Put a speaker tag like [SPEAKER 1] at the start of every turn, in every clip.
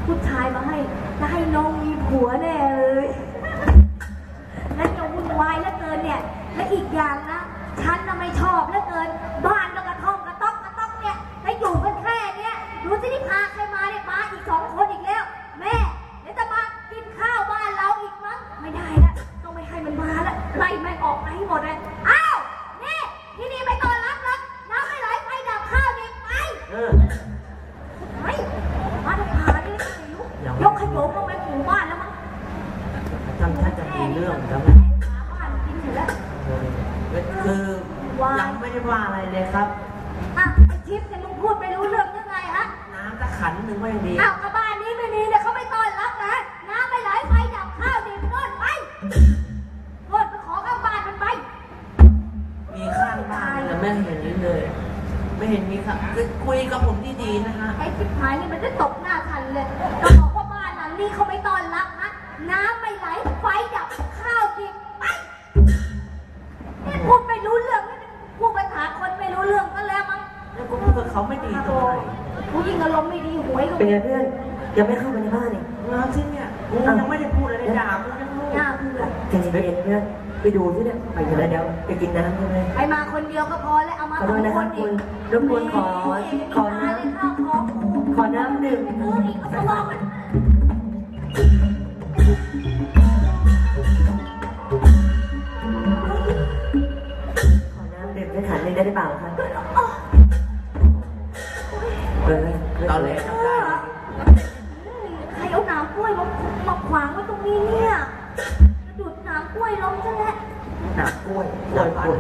[SPEAKER 1] ผู้ชายมาให้จะให้น้องมีผัวแน่เลยแล้วจะวุ่นวายเหลือเกินเนี่ยและอีกอย่างนะฉันน่ะไม่ชอบเหลือเกินบ้านก็กระท่อมกระต๊อกเนี่ยแล้วอยู่กันแค่เนี้ยดูสิที่พาใครมาเนี่ยมาอีก2 คนอีกแล้วแม่เดี๋ยวจะมากินข้าวบ้านเราอีกมั้งไม่ได้ละต้องไม่ให้มันมาละไล่แม่งออกไปให้หมดเลยอ้าวนี่ที่นี่ไม่ต้อนรับแล้วน้ำไม่ไหลไฟดับข้าวเด็กไปไม่มาจะพาดิยกขยงลงไปหมู่บ้านแล้วมั้ง
[SPEAKER 2] ท่านจะมีเรื่องแล้ว
[SPEAKER 1] บ้านกินอยู่แล้ว
[SPEAKER 2] คือยังไม่ได้ว่าอะไรเลยครับ
[SPEAKER 1] ไอ้ชิปเนี่ยมึงพูดไม่รู้เรื่องยังไงฮะ
[SPEAKER 2] น้ำจะขันหนึ่งก็ยังดี
[SPEAKER 1] กับบ้านนี้ไม่มีเนี่ยเขาไม่ต้อนรับนะน้ำไม่ไหลไฟดับข้าวเด็กโน่นไปโน่นไปขอข้างบ้านมันไป
[SPEAKER 2] มีข้างบ้านแต่ไม่เห็นนี้เลยไม่เห็นมีค่ะคุยกับผมดีๆนะฮะ
[SPEAKER 1] ไอ้ชิบหายนี่มันจะตกหน้าทันเลยก็บอกว่าบ้านหลังนี้เขาไม่ต้อนรับนะน้ำไม่ไหลไฟดับข้าวเด็กไปนี่พูดไม่รู้เรื่องพูดภาษาคนไม่รู้เรื่องก็แล้วมั้ง
[SPEAKER 2] แล้วกูพูดกับเขาไม่ดีตรงไหน
[SPEAKER 1] ผู้หญิงอารมณ์ไม่ดีหวยก็
[SPEAKER 3] เป็นไงเพื่อนยังไม่เข้ามาในบ้านเลย
[SPEAKER 2] งานที่เนี่ยกูยังไม่ได้พูดอะไรด่ากูยังรู้
[SPEAKER 1] หน้าเพื่อน
[SPEAKER 3] ใจเย็นๆเพื่อนไปดูที่เนี่ยไปกันแล้วเดี๋ยวไปกินน้ำใช่ไหม
[SPEAKER 1] ไปมาคนเดียวก็พอแล้วเอามา2 คนอีก
[SPEAKER 3] รบกวนขอน้ำดื่ม
[SPEAKER 1] อีกก็บอกมัน
[SPEAKER 3] ขอน้ำดื่มได้ขันเลยได้หรือเปล่าครับ
[SPEAKER 2] ตอนแรก
[SPEAKER 1] ใครเอาน้ำกล้วยมาขวางไว้ตรงนี้เนี่ยดูดน้ำกล้วยล้มซะแล้ว
[SPEAKER 2] น้ำกล้วยพ่อ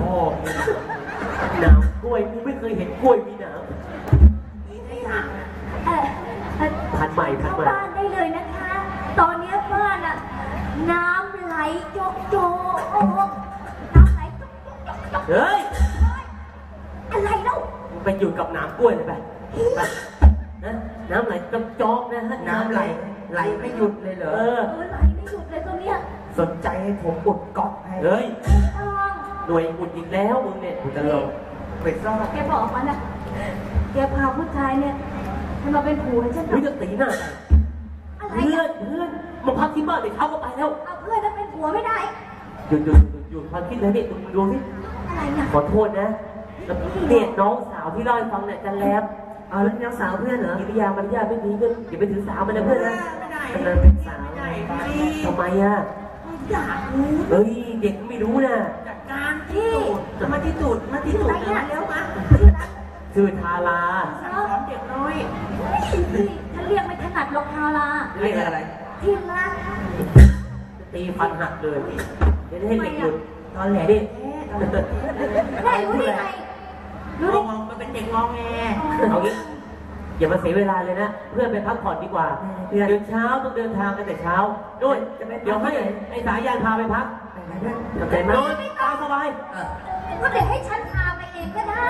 [SPEAKER 2] น้ำกล้วยกูไม่เคยเห็นกล้วยมีน้ำนี่ได้ยังผัดใหม่
[SPEAKER 1] บ้านได้เลยนะคะตอนนี้บ้านอะน้ำไหลโจกน้ำไหลโจก
[SPEAKER 2] เฮ้ย
[SPEAKER 1] อะไรเล่า
[SPEAKER 2] ไปหยุดกับน้ำกล้วยเลยไปนะน้ำไหลจอกนะฮะน้ำไหลไม่หยุดเลยเหรอ
[SPEAKER 1] ไหลไม่หยุดเลยตรงเนี้ย
[SPEAKER 2] สนใจให้ผมอุดก๊อกให้เฮ้ยหน่วยอุดอีกแล้วมึงเนี่ยอุดตลอดไปซ่อน
[SPEAKER 1] แกบอกมันนะแกพาผู้ชายเนี่ยมันมาเป็นผัวฉัน
[SPEAKER 2] จะตีหน้าเพื่อนมาพักที่บ้านเดี๋ยวเช้าก็ไปแล้ว
[SPEAKER 1] เอาเพื่อนจะเป็นผัวไม่ได้
[SPEAKER 2] หยุดความคิดเลยนี่มึงดูสิ
[SPEAKER 1] อะไรนะ
[SPEAKER 2] ขอโทษนะเนี่ยน้องสาวที่เล่าให้ฟังเนี่ยจะแล้ว
[SPEAKER 3] เอาแล้วน้องสาวเพื่อนเหรอ
[SPEAKER 2] กิริยามารยาทไม่ดีก็อย่าไปถือสาวมันนะเพื่อนนะ
[SPEAKER 3] กำลังเป็นสาว
[SPEAKER 2] ทำไมอ่ะเฮ้ยเด็กไม่รู้นะ
[SPEAKER 1] จัดการที่มาที่จุดแล้วมา
[SPEAKER 2] ชื่อทารา
[SPEAKER 1] สอนเด็กน้อยฉันเรียกไม่ถนัดหรอกทารา
[SPEAKER 2] เรียกอะไร
[SPEAKER 1] ที่รัก
[SPEAKER 2] ตีฟันหักเลยเดี๋ยวให้เด็กหยุดตอนแหลดิ
[SPEAKER 1] ได้รู้ได้ไง
[SPEAKER 2] รู้ได้มันเป็นเด็กงองแงเอางี้อย่ามาเสียเวลาเลยนะเพื่อนไปพักผ่อนดีกว่าเดินเช้าต้องเดินทางกันแต่เช้าด้วยเดี๋ยวให้ไอ้สายยานพาไปพักเข้าใจไหมตามสบาย
[SPEAKER 1] ก็เดี๋ยวให้ฉันพาไปเองก็ได้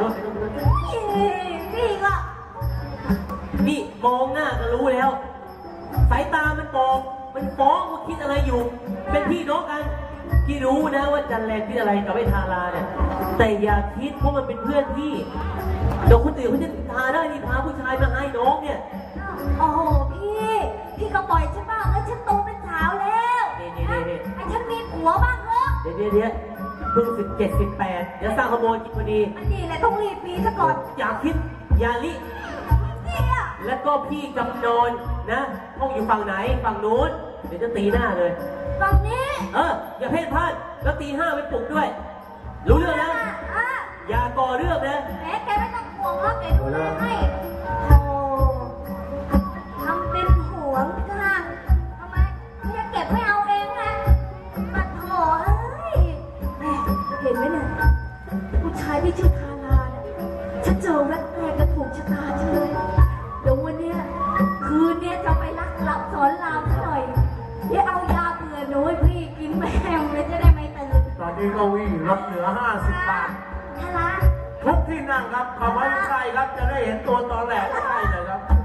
[SPEAKER 1] นี่ก็
[SPEAKER 2] นี่มองหน้าก็รู้แล้วสายตามันบอกมันฟ้องว่าคิดอะไรอยู่เป็นพี่น้องกันที่รู้นะว่าจันแรงที่อะไรกับไอ้ทาราเนี่ยแต่อย่าคิดเพราะมันเป็นเพื่อนพี่เดี๋ยวคนอื่นเขาจะทาได้นี่พาผู้ชายมาให้น้องเนี่ย
[SPEAKER 1] โอ้โหพี่ก็ปล่อยฉันบ้างแล้วฉันโตเป็นสาวแล้วไอ้ฉันมีผัวบ้างเหรอ
[SPEAKER 2] เดี๋ยวเพิ่ง17 18เดี๋ยวสร้างขโมยกินพอดี
[SPEAKER 1] อันนี้แหละต้องรีบปีซะก่อน
[SPEAKER 2] อย่าคิดอย่าลิแล้วก็พี่กำนนนะห้องอยู่ฝั่งไหนฝั่งนู้นเดี๋ยวจะตีหน้าเลย
[SPEAKER 1] ฝั่งนี้
[SPEAKER 2] อย่าเพ่นพ่านแล้วตี5ไปปลุกด้วยรู้เรื่องนะอย่าก่อเรื่องนะ
[SPEAKER 1] แหมแกไม่ต้องห่วงหรอกแกดูแลให้โอ้ทำเป็นห่วงค่ะทำไมจะเก็บไม่เอาเองนะมาโถแม่เห็นไหมเนี่ยผู้ชายที่ชื่อทาราเนี่ยฉันเจอแวบแรกก็ถูกชะตาฉันเลยเดี๋ยววันนี้คืนนี้จะไปรับสอนรามซะหน่อยเดี๋ยวเอายาเบื่อหนูให้พี่กินแม่เลยจะได้ไม่ตื่น
[SPEAKER 4] ตอนนี้ก็วิ่งลดเหลือ50 บาททุกที่นั่งครับขบวนใกล้ครับจะได้เห็นตัวตอนแหลกใกล้เลยครับ